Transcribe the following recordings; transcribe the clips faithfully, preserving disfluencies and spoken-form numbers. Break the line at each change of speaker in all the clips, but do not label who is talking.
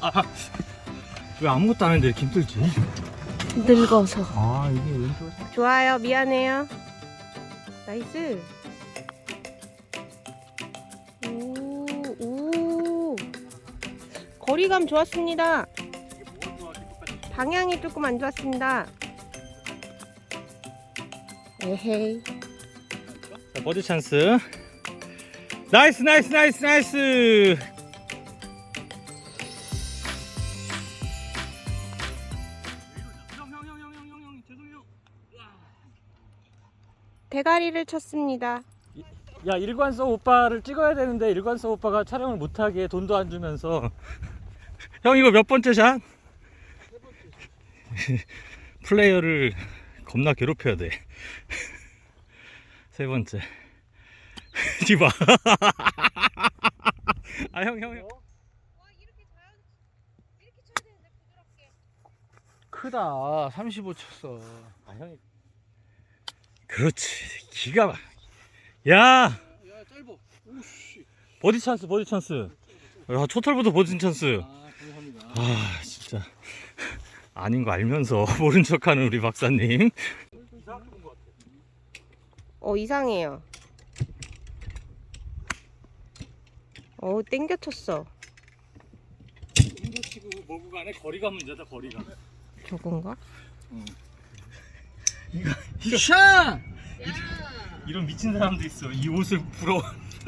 아, 왜 아무것도 안 했는데 이렇게 힘들지?
늙어서.
아 이게 왼쪽.
좋아요. 미안해요. 나이스. 오, 오. 거리감 좋았습니다. 방향이 조금 안 좋았습니다. 에헤이.
자, 버디 찬스. 나이스 나이스 나이스 나이스.
대가리를 쳤습니다.
야, 일관성 오빠를 찍어야 되는데 일관성 오빠가 촬영을 못하게 돈도 안 주면서. 형 이거 몇 번째 샷? 플레이어를 겁나 괴롭혀야 돼. 세 번째. 디바. 아, 형, 형, 형.
크다. 삼십오 쳤어.
아, 형이. 그렇지. 기가 막. 야!
야, 짧어. 오씨.
버디 찬스, 버디 찬스. 야, 초털부터 버디 찬스.
아, 감사합니다.
아, 진짜. 아닌 거 알면서 모른 척하는 우리 박사님.
어, 이상해요. 어, 땡겨 쳤어.
인도 치고 뭐고 간에 거리가 문제다, 거리가.
저건가?
이거, 이거.
샷!
이런 미친 사람도 있어. 이 옷을 부러워.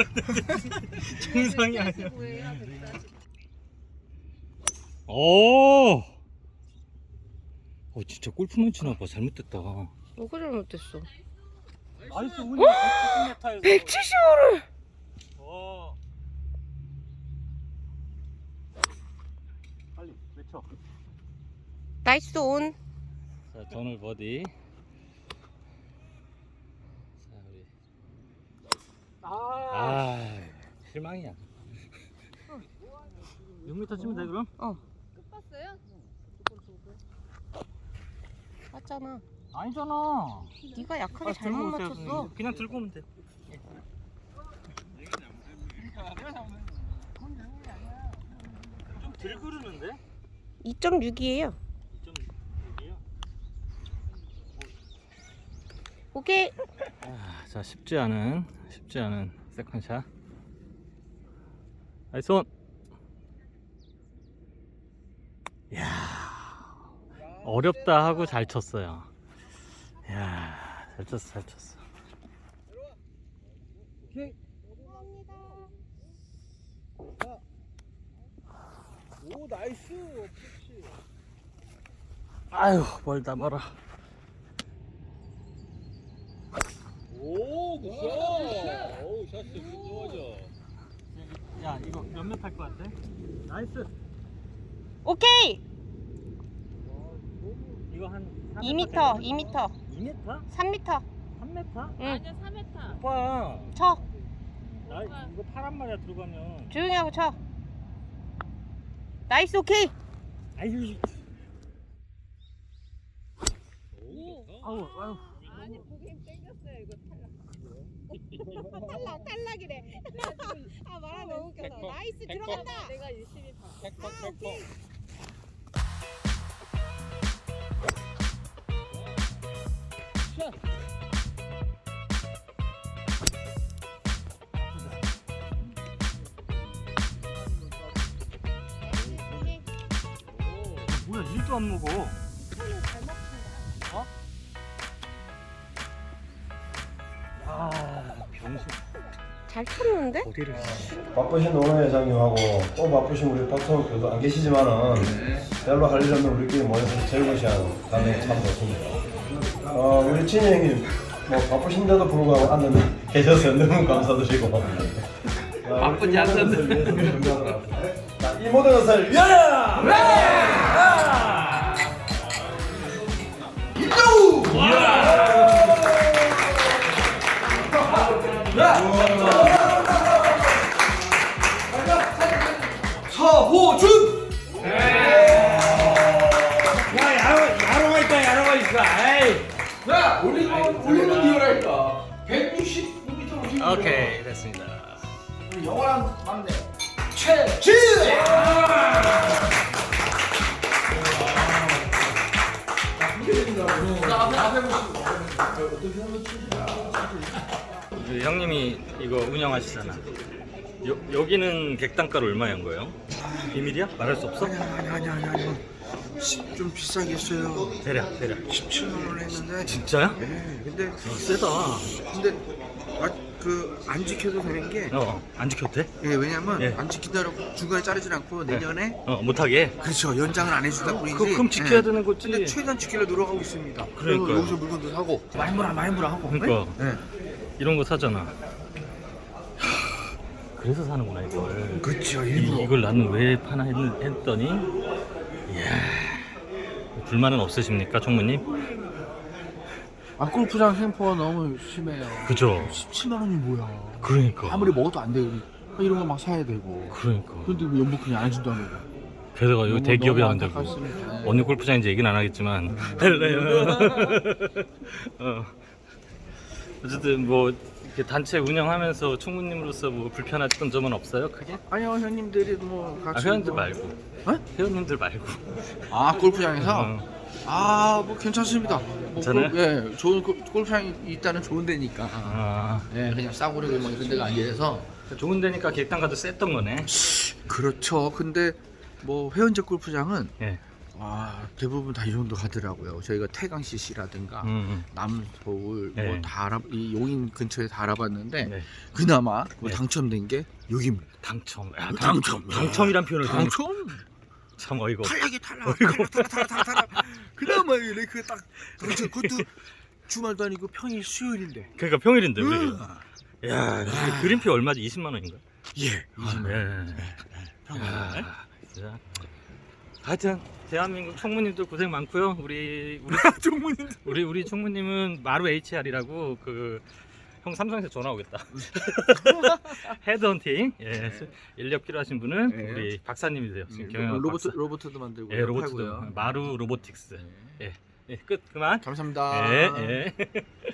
정상이 아니야. 오! 어, 진짜 골프만 치나 봐. 잘못됐다.
뭐가 잘못됐어?
나이스 운이 백칠십 미터에서.
백칠십오를!
어. 빨리 외쳐.
나이스 온.
자, 전월 버디. 자, 우리.
아,
아, 실망이야. 육 미터 치면 돼 그럼?
어.
끝 봤어요?
맞잖아.
아니잖아.
네가 약하게
아,
잘못
들고 오세요,
맞췄어.
선생님. 그냥 들고 오면 돼. 좀 들 그르는데?
이 점 육이에요.
이 점 육이요?
오케이.
아, 자, 쉽지 않은 쉽지 않은 세컨샷. 나이스 온. 야, 어렵다 하고 잘 쳤어요. 야, 잘 쳤어, 잘 쳤어.
오케이. 오, 나이스. 그렇지.
아유, 멀다 멀어.
오, 굿샷. 오, 샷 좋아져.
야, 이거 몇몇 할 것 같아? 나이스.
오케이.
이거 한
이 미터, 이 미터,
이 미터?
삼 미터.
삼 미터?
응.
아니야 삼 미터.
오빠,
쳐.
나 이거 파란 말이야 들어가면.
조용히 하고 쳐. 나이스 오케이.
아유,
오.
아우, 아우.
아니 보긴 땡겼어요 이거 탈락. 탈락 탈락이래. 아 말아 너무 웃겨서.
백퍼,
나이스
백퍼.
들어간다. 내가 열심히 봤어.
백퍼,
아,
백퍼.
오케이.
샷.
뭐야, 일도 안 먹어. 어? 야, 병신.
잘 쳤는데?
어디를?
바쁘신 노원 회장님하고 또 바쁘신 우리 박성욱 교수 안 계시지만은 별로 할 일 없는 우리끼리 모여서 즐거운 시간 가는 참 좋습니다. 어, 우리 진희 형님 뭐 바쁘신데도 불구하고 앉아 계셔서 너무 감사드리고 바쁘지 않는데 자, 이 모든 것을 위하여! 서호준!
야, 야로, 야로가 있다, 야로가 있어. 에이.
야, 올리는 올리는 리얼하니까 백육십오 미터 올리는
오케이, 됐습니다.
영원한 만대 최진.
그 형님이 이거 운영하시잖아. 여, 여기는 객단가로 얼마인 거예요? 비밀이야? 말할 수 없어?
아니 아니 아니 아니. 좀 비싸게 했어요.
대략 대략.
십칠만 원 했는데.
진짜야?
예. 근데
어, 세다.
근데 아, 그 안 지켜도 되는 게
어, 안 지켜도 돼?
예, 왜냐면
예.
안 지킨다고 중간에 자르진 않고 내년에
어, 못하게.
그렇죠 연장을 안 해준다 뿐이지.
그, 그럼 지켜야
예.
되는 거지.
근데 최대한 지키려 노력하고 있습니다. 그리고
그러니까요.
여기서 물건도 사고 많이 물어 많이 물어 하고.
그러니까
예.
이런 거 사잖아. 하, 그래서 사는구나 이걸.
그렇죠
이,
일부러.
이걸 나는 왜 파나 했, 했더니, 이야, 불만은 없으십니까, 총무님?
아 골프장 생포가 너무 심해요.
그죠?
십칠만 원이 뭐야?
그러니까.
아무리 먹어도 안 돼요. 이런 거 막 사야 되고.
그러니까.
근데 왜 연봉 그냥 안 해준다는 거?
게다가 여기
너무-
대기업이
너무
안 되고.
안타깝습니다. 네.
어느 골프장인지 얘기는 안 하겠지만. 어. 어쨌든 뭐 이렇게 단체 운영하면서 총무님으로서 뭐 불편했던 점은 없어요, 크게?
아니요 형님들이 뭐
아,
같이
회원들
뭐-
말고.
어?
회원님들 말고.
아 골프장에서
어.
아 뭐 괜찮습니다. 뭐
괜찮아요?
골- 예, 좋은 골- 골프장이 있다는 좋은 데니까.
아,
예, 그냥 싸구려고 뭐 이런 데가 아니라서.
좋은 데니까 객단가도 셌던 거네.
그렇죠. 근데 뭐 회원제 골프장은
예.
아 대부분 다 이 정도 하더라고요. 저희가 태강 씨씨라든가
음, 음.
남서울
네.
뭐 다 알아 이 용인 근처에 다 알아봤는데
네.
그나마 뭐
네.
당첨된 게 여기입니다.
당첨. 야,
당첨.
당첨이란 표현을 쓰는 거
당첨.
참 어이가 없어.
탈락이 탈락. 탈락 탈락 탈락 탈락 탈락. 그나마 이 랭크 딱 당첨. 그것도 주말도 아니고 평일 수요일인데.
그러니까 평일인데 우리.
음.
야, 그 그린피 얼마지? 이십만 원인가?
예.
아, 예. 야, 진짜. 하여튼 대한민국 총무님들 고생 많고요. 우리 우리
총무님.
우리 우리 총무님은 마루 에이치알이라고 그 형 삼성에서 전화 오겠다. 헤드헌팅. 예. 인력 필요하신 분은
예.
우리 박사님이세요. 지금 경영
로봇
박사.
로봇도 만들고
예, 로봇도
팔고요.
마루 로보틱스. 예. 예, 끝 그만.
감사합니다.
예, 예.